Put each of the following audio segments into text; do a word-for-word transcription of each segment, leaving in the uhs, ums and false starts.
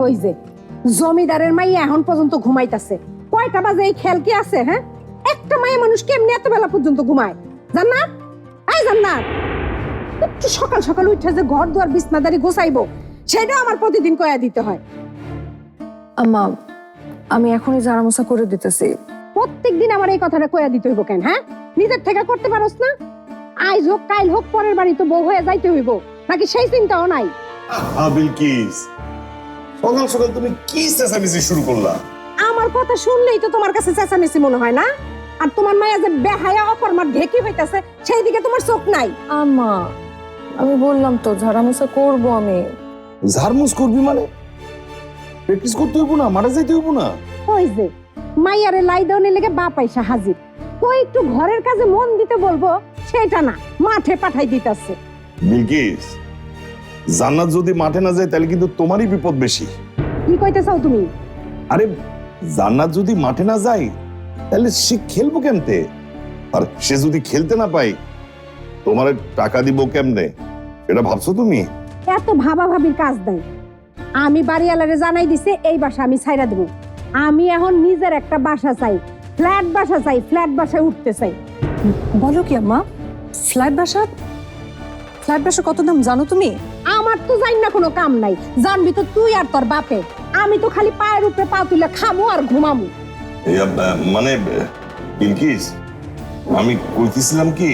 ওই যে জমিদারের মাইয়া এখন পর্যন্ত ঘুমাইতাছে। কয়টা বাজে এই খেয়াল কি আছে? হ্যাঁ, একটা মাইয়া মানুষ কেমনি এত বেলা পর্যন্ত ঘুমায়? জান্নাত, এই জান্নাত, একটু সকাল সকাল উঠে যে ঘর দুয়ার বিছনাদারি গোছাইবো সেটাও আমার প্রতিদিন কয়া দিতে হয়। আম্মা, আমি এখনই ঝাড়া মোছা করে দিতেছি। প্রত্যেকদিন আমার এই কথাটা কয়া দিতে হইব কেন? হ্যাঁ, নিজের থেকে করতে পারোস না? আজ হোক কাল হোক পরের বাড়ি তো বউ হয়ে যাইতে হইব, নাকি সেই চিন্তাও নাই? বিলকিস, সকাল সকাল তুমি কি চেঁচামেচি শুরু করলা? আমার কথা শুনলেই তো তোমার কাছে চেঁচামেচি মনে হয় না? আর তোমার মায়া যে বেহায়া অকর্মার ঢেকি হইতাছে সেই দিকে তোমার চোখ নাই? আম্মা, আমি বললাম তো ঝাড়া মোছা করবো আমি। ঝাড়মুছ করবি মানে? প্র্যাকটিস করতে হইব না? মারা যাইতে হইব না? ওই যে মাইয়ারে লাই দেওয়ার লেগে বাপ আইসা হাজির, কই একটু ঘরের কাজে মন দিতে বলবো সেটা না, মাঠে পাঠাই দিতাছে। বিলকিস, জান্নাত যদি মাঠে না যায় তাহলে কিন্তু তোমারই বিপদ বেশি। কি কইতে চাও তুমি? আরে জান্নাত যদি মাঠে না যায় তাহলে সে খেলবো কেমতে? আর সে যদি খেলতে না পায় তোমার টাকা দিব কেমনে? এটা ভাবছো তুমি? এত ভাবা ভাবির কাজ নাই। আমি বাড়িওয়ালারে জানাই দিছে এই বাসা আমি ছাইরা দেব। আমি এখন নিজের একটা বাসা চাই, ফ্ল্যাট বাসা চাই, ফ্ল্যাট বাসায় উঠতে চাই। বলো কি আম্মা? ফ্ল্যাট বাসা? ফ্ল্যাট বাসা কত দাম জানো তুমি? আমার তো জানি না কোনো কাম নাই, জানবি তো তুই আর তোর বাপে। আমি তো খালি পায়ের উপরে পা তুলে খামু আর ঘুমামু। মানে বিলকিস, আমি কইতেছিলাম কি,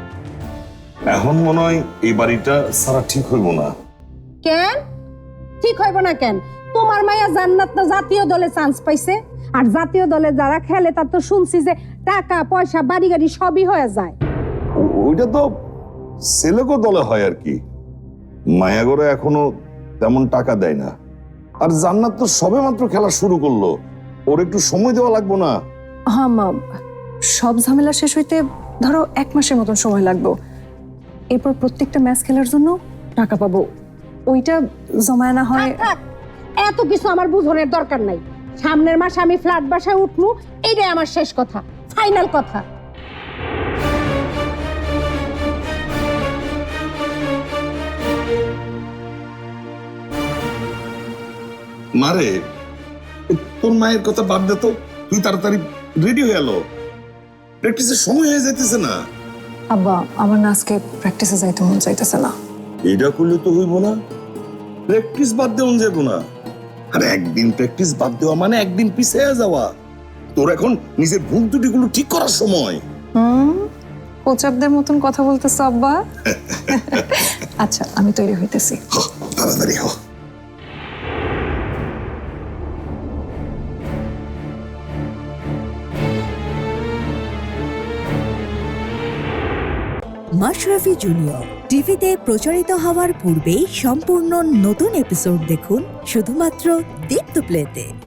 এখন মনে হয় এই বাড়িটা সারা ঠিক হইব না। কেন ঠিক হইব না কেন? তোমার মায়া জান্নাত না জাতীয় দলে চান্স পাইছে, আর জাতীয় দলে যারা খেলে তার তো শুনছি যে টাকা পয়সা বাড়ি গাড়ি সবই হয়ে যায়। ও- ওইটা তো সেলেকো দলে হয় আর কি। মায়াগরে এখনো তেমন টাকা দেয় না। আর জান্নাত তো সবে মাত্র খেলা শুরু করলো, ওর একটু সময় দেওয়া লাগবে না? হ্যাঁ মা, সব ঝামেলা শেষ হইতে ধরো এক মাসের মতন সময় লাগবে। এরপর প্রত্যেকটা ম্যাচ খেলার জন্য টাকা পাবো, ওইটা জমায় না হয়। থাক, থাক, এত কিছু আমার বুঝনের দরকার নাই। সামনের মাসে আমি ফ্ল্যাট বাসায় উঠবো, এইটাই আমার শেষ কথা, ফাইনাল কথা। মারে, তোর মায়ের কথা বাদ দে তো, তুই তাড়াতাড়ি রেডি হয়ে এলো, প্র্যাকটিসের সময় হয়ে যাইতেছে না। আব্বা, আমার না আজকে প্র্যাকটিসে যাইতে মন চাইতেছে না। এটা করলে তো হইব না, প্র্যাকটিস বাদ দেওয়া যাবো না। আর একদিন প্র্যাকটিস বাদ দেওয়া মানে একদিন পিছিয়ে যাওয়া। তোর এখন নিজের ভুল ত্রুটিগুলো ঠিক করার সময়। হুম, কোচাপদের মতন কথা বলতেছো আব্বা। আচ্ছা, আমি তৈরি হইতেছি। হ, তাড়াতাড়ি হ। মাশরাফি জুনিয়র টিভিতে প্রচারিত হওয়ার পূর্বেই সম্পূর্ণ নতুন এপিসোড দেখুন শুধুমাত্র দীপ্ত প্লেতে।